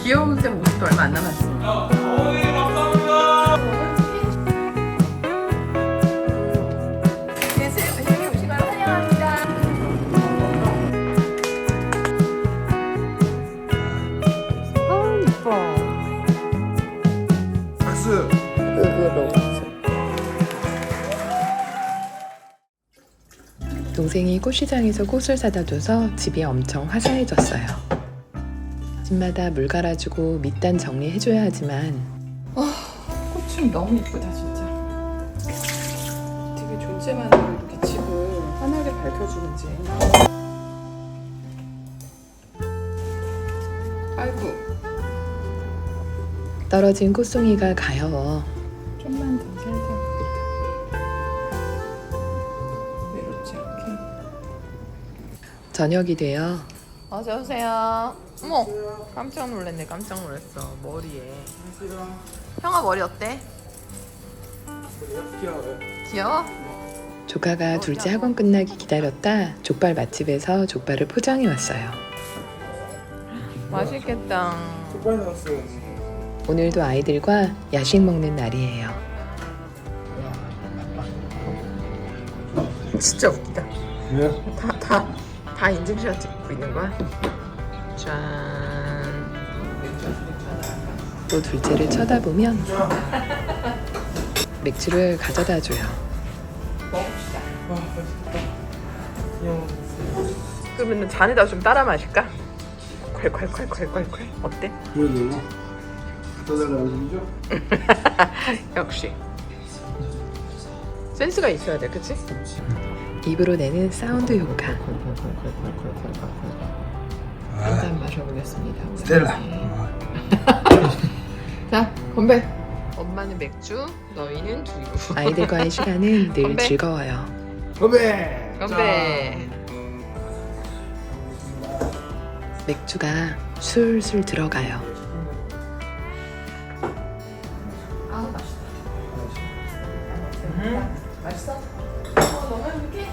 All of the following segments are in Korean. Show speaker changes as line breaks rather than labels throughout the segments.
귀여운 쌤 모습도 얼마 안 남았어. 네, 쌤 오신 걸 환영합니다. 이뻐.
박수.
동생이 꽃시장에서 꽃을 사다 줘서 집이 엄청 화사해졌어요. 집마다 물 갈아주고 밑단 정리해줘야 하지만
꽃이 너무 이쁘다 진짜. 되게 존재만으로 이렇게 집을 환하게 밝혀주는지. 아이고.
떨어진 꽃송이가 가여워
좀만 더 살살. 외롭지 않게.
저녁이 되어
어서 오세요. 어머, 깜짝 놀랐네. 깜짝 놀랐어. 머리에. 형아 머리 어때?
귀여워요.
귀여워?
조카가 둘째 학원 끝나기 기다렸다 족발 맛집에서 족발을 포장해 왔어요.
맛있겠다.
족발 나왔어요.
오늘도 아이들과 야식 먹는 날이에요.
진짜 웃기다.
네?
다 인증샷 찍고 있는 거야? 짠.
또 둘째를 쳐다보면 맥주를 가져다 줘요.
먹읍시다.
아, 맛있겠다. 귀여워.
그러면 잔에다 좀 따라 마실까? 콸콸콸콸콸콸. 어때?
그래도 갖다 달라는 소리죠?
역시 센스가 있어야 돼, 그치?
입으로 내는 사운드 효과. 한 잔 마셔보겠습니다.
스텔라.
자, 건배. 엄마는 맥주, 너희는 두유.
아이들과의 시간은 늘
건배.
즐거워요.
건배.
건배.
맥주가 술술 들어가요.
아, 맛있다. 맛있어? 너무 행복해?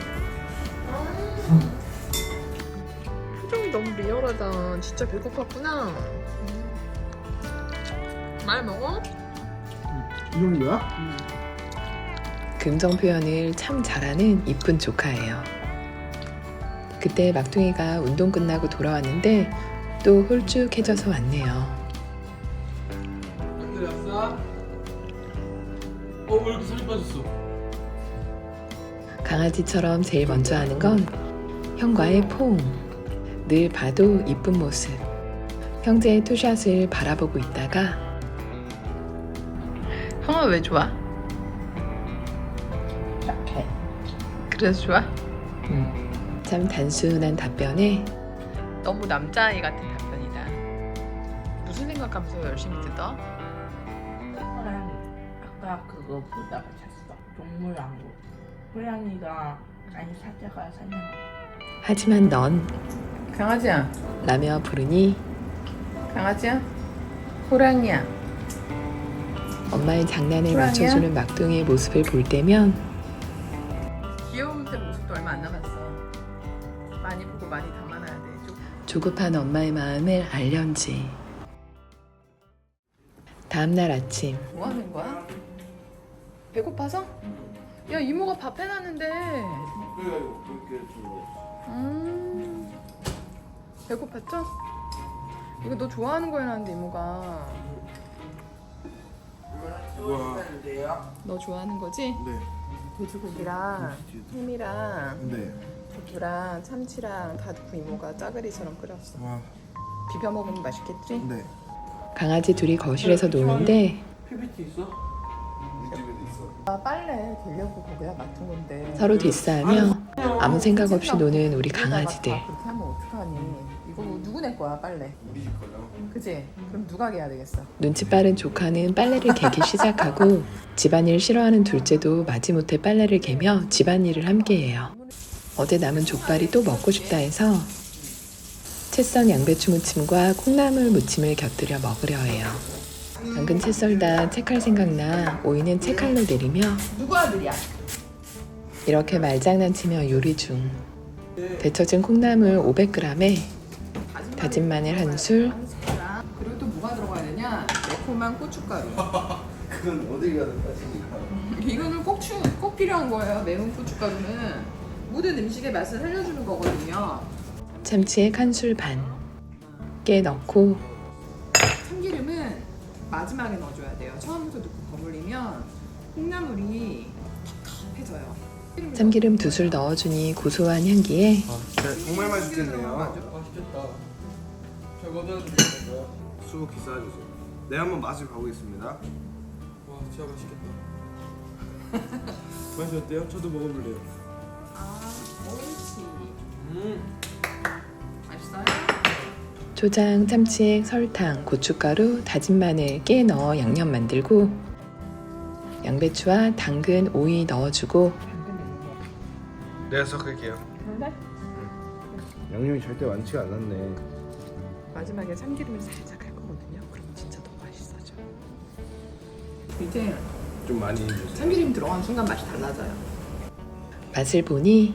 표정이 너무 리얼하다. 진짜 배고팠구나. 말 먹어?
이 정도야?
긍정 표현을 참 잘하는 이쁜 조카예요. 그때 막둥이가 운동 끝나고 돌아왔는데 또 홀쭉해져서 왔네요.
안 들렸어? 왜 이렇게 살이 빠졌어?
강아지처럼 제일 먼저 하는 건 형과의 포옹. 늘 봐도 이쁜 모습. 형제의 투샷을 바라보고 있다가
형아 왜 좋아? 착해. 그래서 좋아?
참 단순한 답변에
너무 남자아이 같은 답변이다. 무슨 생각하면서 열심히 뜯어?
아까 그거 보다가 잤어. 동물왕국. 호랑이가 아니 사자가 사냥.
하지만 넌
강아지야.
라며 부르니
강아지야? 호랑이야.
엄마의 장난을
호랑이야?
맞춰주는 막둥이의 모습을 볼 때면
귀여운 쌤 모습도 얼마 안 남았어. 많이 보고 많이 담아놔야 돼.
조급한 엄마의 마음을 알련지. 다음날 아침
뭐 하는 거야? 배고파서? 야, 이모가 밥 해놨는데.
그래가지고 그렇게 좀.
배고팠죠? 이거 너 좋아하는 거 해놨는데 이모가.
와.
너 좋아하는 거지?
네.
돼지고기랑 햄이랑
네.
두부랑 참치랑 다 넣고 이모가 짜글이처럼 끓였어.
와.
비벼 먹으면 맛있겠지?
네.
강아지 둘이 거실에서 노는데
PBT 있어? 우리 집에도 있어.
아, 빨래 되려고 거기다 맡은 건데.
서로 뒷싸하며 아무 생각 없이 노는 우리 강아지들.
그렇게 하면 어떡하니? 이거 누구 낼 거야, 빨래?
우리 집 거요?
그지? 그럼 누가 개야 되겠어?
눈치 빠른 조카는 빨래를 개기 시작하고 집안일 싫어하는 둘째도 마지못해 빨래를 개며 집안일을 함께해요. 어제 남은 족발이 또 먹고 싶다 해서 채 썬 양배추 무침과 콩나물 무침을 곁들여 먹으려 해요. 방금 채 썰다 채칼 생각나 오이는 채칼로 내리며
누구 아들이야?
이렇게 말장난치며 요리 중. 데쳐진 콩나물 500g에 다진 마늘 한 술,
매콤한 고춧가루.
그건 어디 가든 따지니까.
이거는 꼭 필요한 거예요. 매운 고춧가루는 모든 음식의 맛을 살려주는 거거든요.
참치액 한 술 반, 깨 넣고
참기름은 마지막에 넣어줘야 돼요. 처음부터 넣고 버무리면 콩나물이 텁텁해져요.
참기름 2술 넣어주니 고소한 향기에
진짜 정말 맛있겠네요.
맛있겠다. 저거 넣어도 되나요?
수고 기싸주세요. 네, 한번 맛을 봐보겠습니다.
와, 진짜 맛있겠다. 맛이 어때요? 저도 먹어볼래요.
아, 옳지. 맛있어요?
초장, 참치액, 설탕, 고춧가루, 다진 마늘, 깨 넣어 양념 만들고 양배추와 당근, 오이 넣어주고
내가 섞을게요. 양념이 절대 많지가 않았네.
마지막에 참기름을 살짝 할 거거든요. 그럼 진짜 너무 맛있어져.
이제
좀 많이 해주세요.
참기름 들어간 순간 맛이 달라져요.
맛을 보니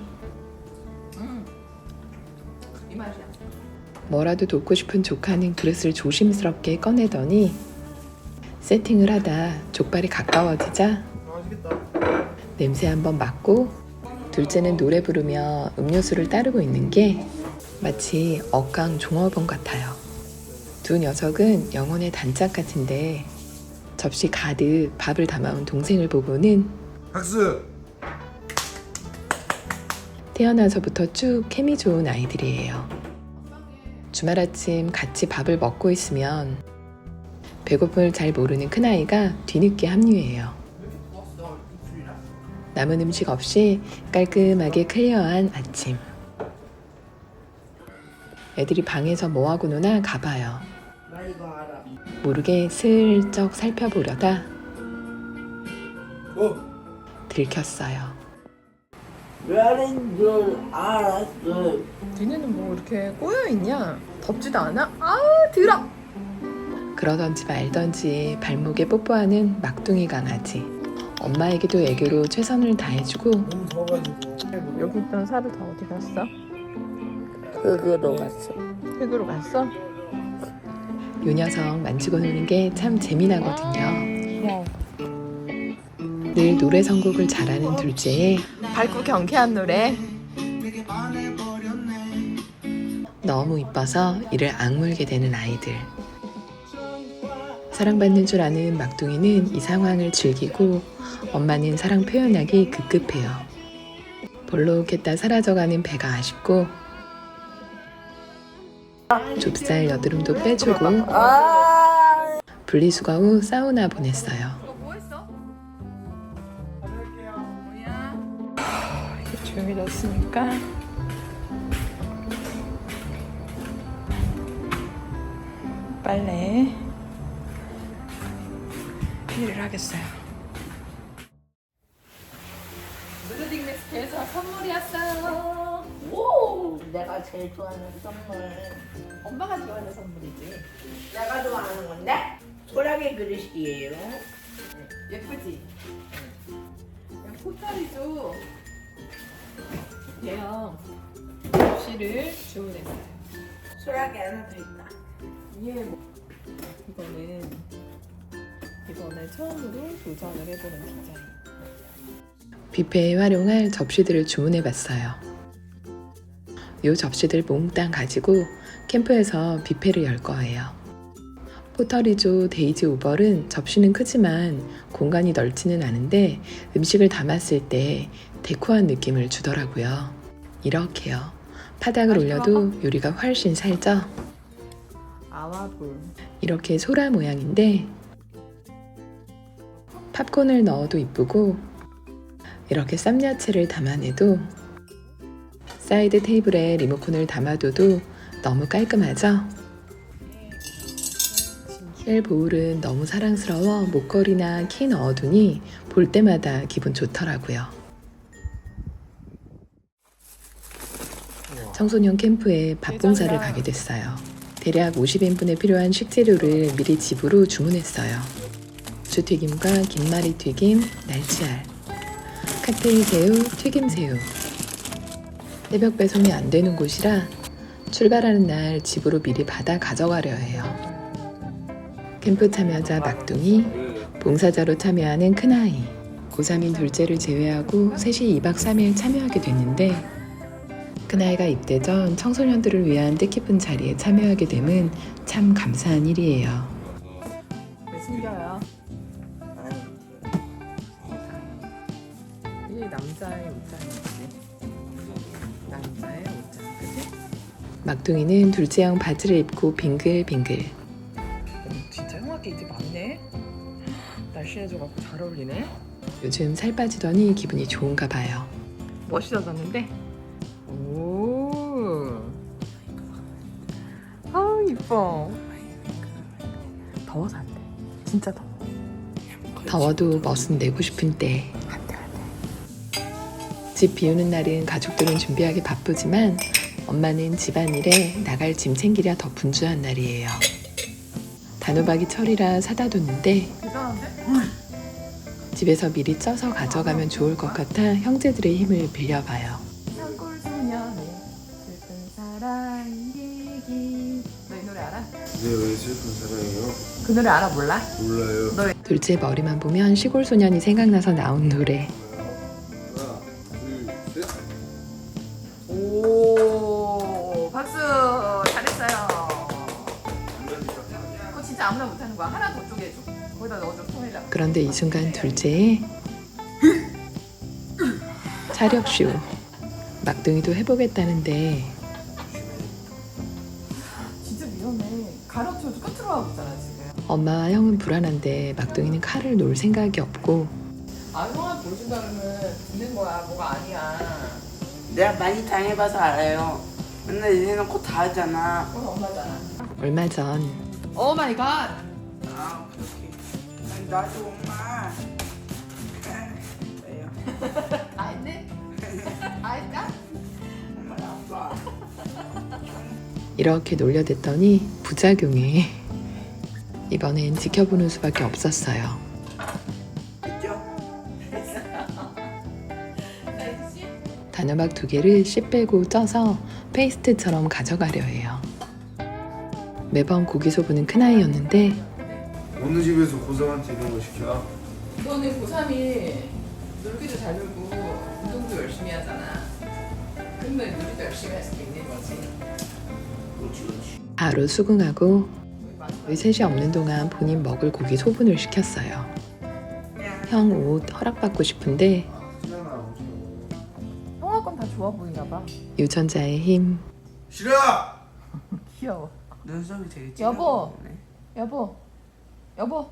이 맛이야.
뭐라도 돕고 싶은 조카는 그릇을 조심스럽게 꺼내더니 세팅을 하다 족발이 가까워지자
맛있겠다.
냄새 한번 맡고 둘째는 노래 부르며 음료수를 따르고 있는 게 마치 억강 종업원 같아요. 두 녀석은 영혼의 단짝 같은데 접시 가득 밥을 담아온 동생을 보고는
학습.
태어나서부터 쭉 케미 좋은 아이들이에요. 주말 아침 같이 밥을 먹고 있으면 배고픔을 잘 모르는 큰아이가 뒤늦게 합류해요. 남은 음식 없이 깔끔하게 클리어한 아침. 애들이 방에서 뭐하고 노나 가봐요.
나 이거 알아.
모르게 슬쩍 살펴보려다 들켰어요.
왜인 줄 알았어.
니네는 뭐 이렇게 꼬여있냐? 덥지도 않아? 아우 들어!
그러던지 말던지 발목에 뽀뽀하는 막둥이 강아지. 엄마에게도 애교로 최선을 다해주고
너무 더워가지고.
여기 있던 사료 다 어디 갔어?
흙으로 갔어.
흙으로 갔어?
요 녀석 만지고 노는 게 참 재미나거든요. 늘 노래 선곡을 잘하는 둘째에
밝고 경쾌한 노래.
너무 이뻐서 이를 악물게 되는 아이들. 사랑받는 줄 아는 막둥이는 이 상황을 즐기고 엄마는 사랑 표현하기 급급해요. 볼록했다 사라져가는 배가 아쉽고 좁쌀 여드름도 빼주고 분리수거 후 사우나 보냈어요.
뭐 했어? 뭐야? 이게 조용해졌으니까 빨래 일을 하겠어요. 무드딩 메스트에서 선물이 왔어요.
오, 내가 제일 좋아하는 선물.
엄마가 좋아하는 선물이지.
내가 좋아하는 건데? 소라게 그릇이에요.
예쁘지? 그냥 포털이도 대형 접시를 주문했어요.
소라게 하나 더 있다.
이게 뭐 이번에 처음으로 도전을 해보는 디자인.
뷔페에 활용할 접시들을 주문해봤어요. 요 접시들 몽땅 가지고 캠프에서 뷔페를 열 거예요. 포터리조 데이지 오벌은 접시는 크지만 공간이 넓지는 않은데 음식을 담았을 때 데코한 느낌을 주더라고요. 이렇게요. 바닥을 올려도 요리가 훨씬 살죠?
아와볼.
이렇게 소라 모양인데 팝콘을 넣어도 이쁘고 이렇게 쌈야채를 담아내도 사이드 테이블에 리모컨을 담아둬도 너무 깔끔하죠? 셀 보울은 너무 사랑스러워 목걸이나 키 넣어두니 볼 때마다 기분 좋더라고요. 청소년 캠프에 밥 봉사를 가게 됐어요. 대략 50인분에 필요한 식재료를 미리 집으로 주문했어요. 부추튀김과 김말이 튀김, 날치알, 칵테일 새우, 튀김 새우. 새벽 배송이 안 되는 곳이라 출발하는 날 집으로 미리 받아 가져가려 해요. 캠프 참여자 막둥이, 봉사자로 참여하는 큰아이. 고3인 둘째를 제외하고 셋이 2박 3일 참여하게 됐는데 큰아이가 입대 전 청소년들을 위한 뜻깊은 자리에 참여하게 됨은 참 감사한 일이에요.
왜 숨겨요? 이게 남자의 옷장이지. 남자의 옷장, 그치?
막둥이는 둘째형 바지를 입고 빙글빙글.
진짜 형한테 이제 많네? 날씬해져갖고 잘 어울리네?
요즘 살 빠지더니 기분이 좋은가 봐요.
멋있어졌는데? 오. 아우 이뻐. 더워서 안 돼. 진짜 더워.
더워도 멋은 내고 싶은 때. 집 비우는 날은 가족들은 준비하기 바쁘지만 엄마는 집안일에 나갈 짐 챙기랴 더 분주한 날이에요. 단호박이 철이라 사다 뒀는데
대단한데?
집에서 미리 쪄서 가져가면 좋을 것 같아 형제들의 힘을 빌려봐요.
산골 소년의 슬픈 사랑 얘기. 너 이 노래 알아?
네, 왜 슬픈 사랑이요?
그 노래 알아 몰라?
몰라요.
둘째 머리만 보면 시골 소년이 생각나서 나온 노래.
하나, 둘, 셋.
오 박수 잘했어요. 그거 진짜 아무나 못하는 거야. 하나 더 쪼개줘. 거기다 넣어줘 통에다.
그런데 이 순간 둘째의 차력쇼. 막둥이도 해보겠다는데
진짜 위험해. 가로쳐도 끝으로 하고 있잖아 지금.
엄마와 형은 불안한데 막둥이는 칼을 놓을 생각이 없고
아 형아 보여준다 그러면 듣는 거야. 뭐가 아니야.
내가 많이 당해봐서 알아요. 맨날 이래놓고 다 하잖아.
그건 엄마잖아.
얼마 전
오 마이 갓.
아 그렇게. 아니, 나도 엄마. 왜요?
아 했네? 아 했다?
엄마 아빠.
이렇게 놀려댔더니 부작용에 이번엔 지켜보는 수밖에 없었어요.
있죠?
단호박 2개를 씨 빼고 쪄서 페이스트처럼 가져가려 해요. 매번 고기 소부는 큰아이였는데
어느 집에서 고상한테 이런 거 시켜?
너는 고3이 놀기도 잘 놀고 운동도 열심히 하잖아. 그러면 놀이도 열심히 할 수도 있는 거지.
바로 수긍하고 우리 셋이 없는 동안 본인 먹을 고기 소분을 시켰어요. 형 옷 허락받고 싶은데
티나나 엄청.
형아 건 다 좋아 보이나 봐.
유전자의 힘.
싫어!
귀여워.
눈썹이 되게
여보.
찌그러졌네.
여보. 여보.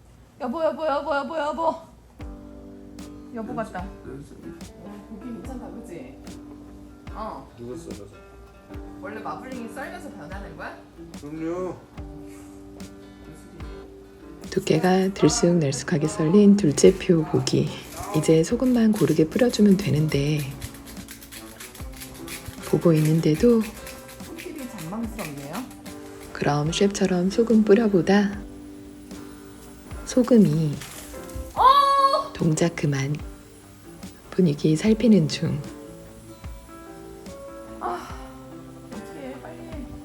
여보. 여보 같다.
눈썹이.
고기 괜찮다 그치? 어.
누가 썰어서?
원래 마블링이 썰면서 변하는 거야?
그럼요.
두께가 들쑥날쑥하게 썰린 둘째표 고기. 이제 소금만 고르게 뿌려주면 되는데 보고 있는데도
손길이 잔망스럽네요.
그럼 셰프처럼 소금 뿌려보다 소금이 동작 그만. 분위기 살피는 중.
어떻게 빨리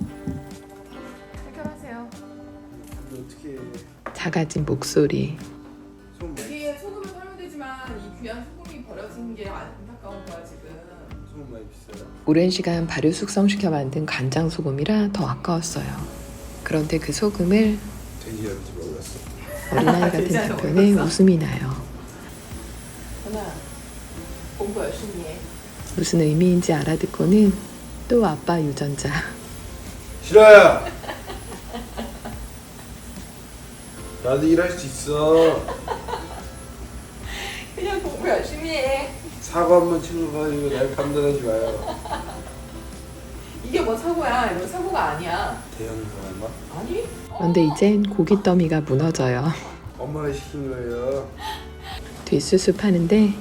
해결하세요.
근데 어떻게 해?
작아진 목소리.
손 많이,
이게 소금을 썰면 되지만 이 귀한 소금이 버려지는 게 안타까운 거야 지금.
손 많이 비싸요?
오랜 시간 발효 숙성시켜 만든 간장 소금이라 더 아까웠어요. 그런데 그 소금을
돼지한테 먹였어.
어린아이 같은 답변에 웃음이 나요.
하나 공부 열심히 해.
무슨 의미인지 알아듣고는 또 아빠 유전자.
싫어요! 나도 일할 수 있어.
그냥 공부 열심히 해.
사과 한번 치러가지고 날 판단하지 마요.
이게 뭐 사고야? 이건 사고가 아니야.
대형 사과인가?
아니?
그런데 이젠 고기 더미가 무너져요.
엄마가 시킨 거예요.
뒷수습 하는데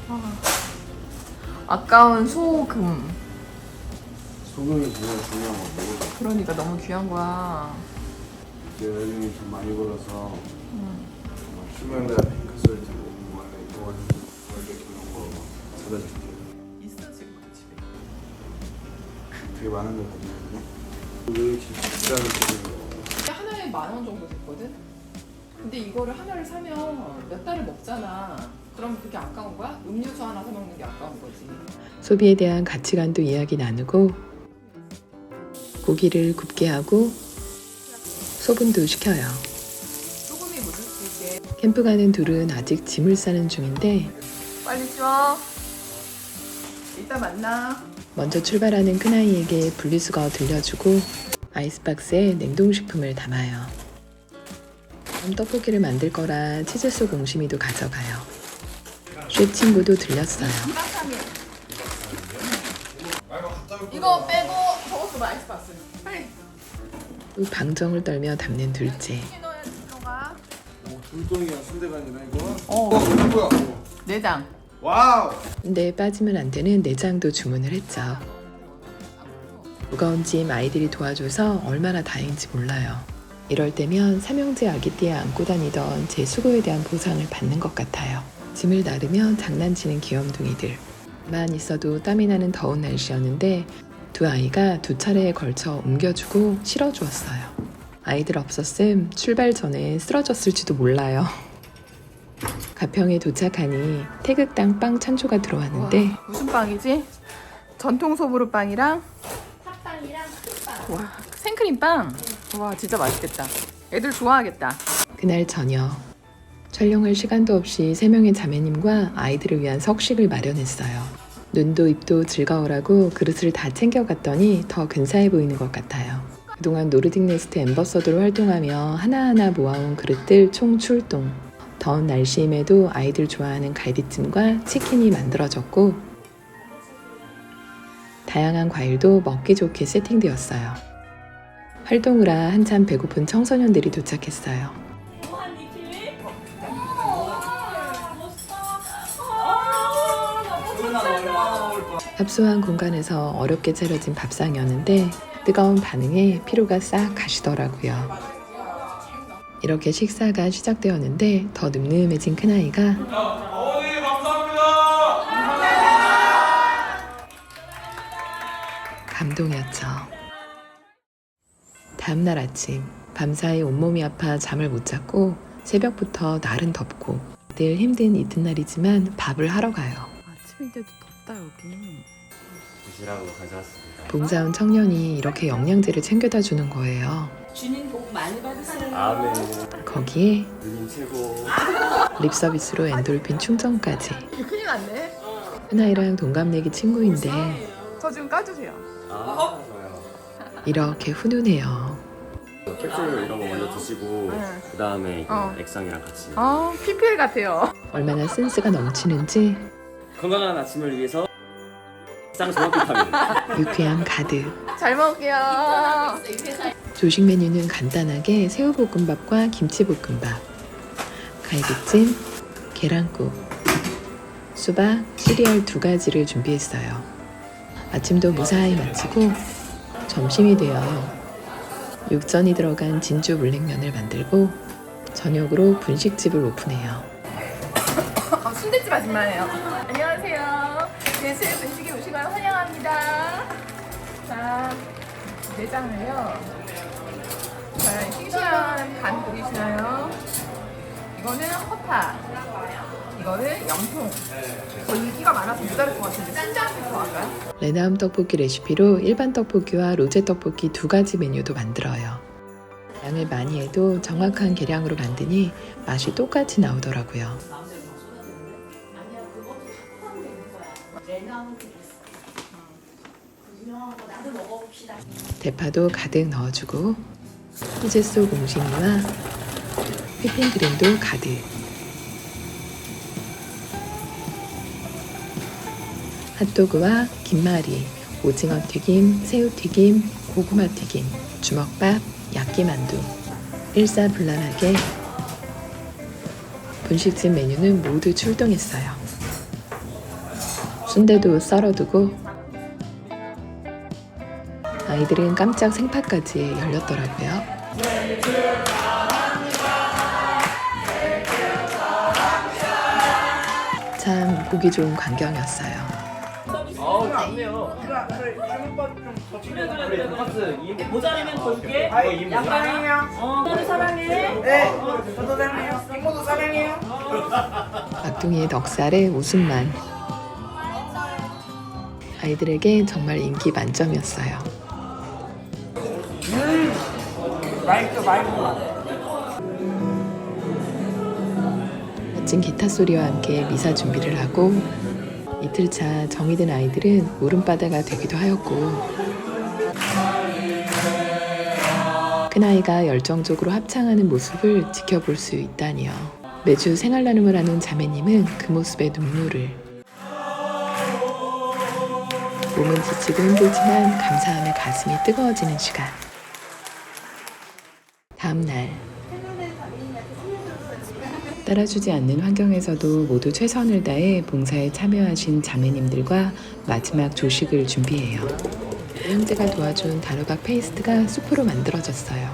아까운 소금.
소금이 정말 중요한 거고.
그러니까 너무 귀한 거야.
내가 나중에 돈 많이 벌어서 휴men과 핑크솔트 원래 이런 거 사다 줄게.
있어 지금 그 집에.
되게 많은 거 보면 왜 이렇게 비싼 소금이
하나에 10,000원 정도 됐거든? 근데 이거를 하나를 사면 몇 달을 먹잖아. 그럼 그게 아까운 거야? 음료수 하나 사 먹는 게 아까운 거지.
소비에 대한 가치관도 이야기 나누고 고기를 굽게 하고 소분도 시켜요.
소금이 묻을 수 있게.
캠프 가는 둘은 아직 짐을 싸는 중인데
빨리 줘. 이따 만나.
먼저 출발하는 큰아이에게 분리수거 들려주고 아이스박스에 냉동식품을 담아요. 떡볶이를 만들 거라 치즈 속 옹심이도 가져가요. 쉐 친구도 들렸어요.
이거 빼고 저것도 아이스박스. 빨리.
또 방정을 떨며 담는 둘째.
넣어야지 들어가.
오, 돌덩이야 순대가 아니라 이거.
어.
뭐야?
내장.
와우.
근데 빠지면 안 되는 내장도 주문을 했죠. 무거운 짐 아이들이 도와줘서 얼마나 다행인지 몰라요. 이럴 때면 삼형제 아기띠에 안고 다니던 제 수고에 대한 보상을 받는 것 같아요. 짐을 나르며 장난치는 귀염둥이들. 만 있어도 땀이 나는 더운 날씨였는데 두 아이가 두 차례에 걸쳐 옮겨주고 실어주었어요. 아이들 없었음 출발 전에 쓰러졌을지도 몰라요. 가평에 도착하니 태극당 빵 찬조가 들어왔는데
무슨 빵이지? 전통 소보루 빵이랑
팥빵이랑 팥빵.
와 생크림빵. 와 진짜 맛있겠다. 애들 좋아하겠다.
그날 저녁 촬영할 시간도 없이 세 명의 자매님과 아이들을 위한 석식을 마련했어요. 눈도 입도 즐거우라고 그릇을 다 챙겨갔더니 더 근사해 보이는 것 같아요. 그동안 노르딕 네스트 앰버서더로 활동하며 하나하나 모아온 그릇들 총 출동. 더운 날씨임에도 아이들 좋아하는 갈비찜과 치킨이 만들어졌고 다양한 과일도 먹기 좋게 세팅되었어요. 활동을 하 한참 배고픈 청소년들이 도착했어요.
뭐한 니킬리?
협소한 공간에서 어렵게 차려진 밥상이었는데 뜨거운 반응에 피로가 싹 가시더라고요. 이렇게 식사가 시작되었는데 더 늠름해진 큰아이가
어머니 감사합니다.
감동이었죠. 다음날 아침 밤사이 온몸이 아파 잠을 못 잤고 새벽부터 날은 덥고 늘 힘든 이튿날이지만 밥을 하러 가요.
아침인데도 덥다 여기.
드시라고 가져왔습니다.
봉사원 청년이 이렇게 영양제를 챙겨다 주는 거예요.
주님 복 많이 받으세요.
아멘.
거기에
누님 최고.
립 서비스로 엔돌핀 충전까지.
큰일 났네.
큰아이랑 동갑내기 친구인데
저 좀 까주세요.
아, 좋아요.
이렇게 훈훈해요.
캡슐 이런 거 먼저 드시고
네.
그 다음에
어.
액상이랑 같이
아 PPL 같아요.
얼마나 센스가 넘치는지
건강한 아침을 위해서 액상 종합 비타민.
유쾌함 가득.
잘 먹을게요.
조식 메뉴는 간단하게 새우볶음밥과 김치볶음밥, 갈비찜, 계란국, 수박, 시리얼 2가지를 준비했어요. 아침도 무사히 마치고 점심이 되어 육전이 들어간 진주 물냉면을 만들고 저녁으로 분식집을 오픈해요.
순대집 아줌마예요. 안녕하세요. 제수의 분식에 오신 걸 환영합니다. 자, 내장을요. 자, 싱싱한 간 보이시나요? 이거는 허파. 이거는 염통. 인기가 많아서 못 다를 것 같은데 짠짠 좋아할까요?
레나움 떡볶이 레시피로 일반 떡볶이와 로제 떡볶이 2가지 메뉴도 만들어요. 양을 많이 해도 정확한 계량으로 만드니 맛이 똑같이 나오더라고요.
나도 먹어봅시다.
대파도 가득 넣어주고 치즈 속 옹심이와 휘핑크림도 가득. 핫도그와 김말이, 오징어 튀김, 새우 튀김, 고구마 튀김, 주먹밥, 야끼만두. 일사불란하게 분식집 메뉴는 모두 출동했어요. 순대도 썰어두고 아이들은 깜짝 생파까지 열렸더라고요. 참 보기 좋은 광경이었어요.
어우, 좋네요. 주문법 좀
그래 돈가스 2인분 모자라면 더 줄게. 이거 2인분.
너를 사랑해.
네. 저도 사랑해요. 행모도 사랑해요.
막둥이의 넉살에 웃음만. 아이들에게 정말 인기 만점이었어요.
맛있어.
멋진 기타 소리와 함께 미사 준비를 하고 이틀 차 정이 든 아이들은 울음바다가 되기도 하였고 큰아이가 열정적으로 합창하는 모습을 지켜볼 수 있다니요. 매주 생활 나눔을 하는 자매님은 그 모습에 눈물을. 몸은 지치고 힘들지만 감사함에 가슴이 뜨거워지는 시간. 다음 날 따라주지 않는 환경에서도 모두 최선을 다해 봉사에 참여하신 자매님들과 마지막 조식을 준비해요. 형제가 도와준 단호박 페이스트가 수프로 만들어졌어요.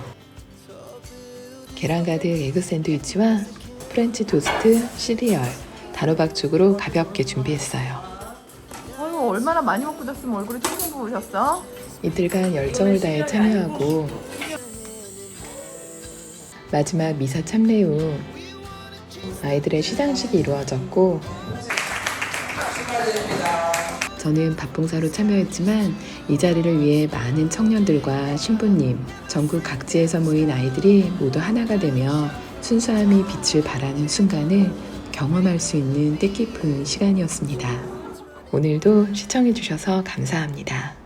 계란 가득 에그 샌드위치와 프렌치 토스트, 시리얼, 단호박죽으로 가볍게 준비했어요.
어휴, 얼마나 많이 먹고 잤으면 얼굴이 퉁퉁 부으셨어?
이틀간 열정을 다해 참여하고 마지막 미사 참례 후 아이들의 시상식이 이루어졌고 저는 밥봉사로 참여했지만 이 자리를 위해 많은 청년들과 신부님, 전국 각지에서 모인 아이들이 모두 하나가 되며 순수함이 빛을 발하는 순간을 경험할 수 있는 뜻깊은 시간이었습니다. 오늘도 시청해주셔서 감사합니다.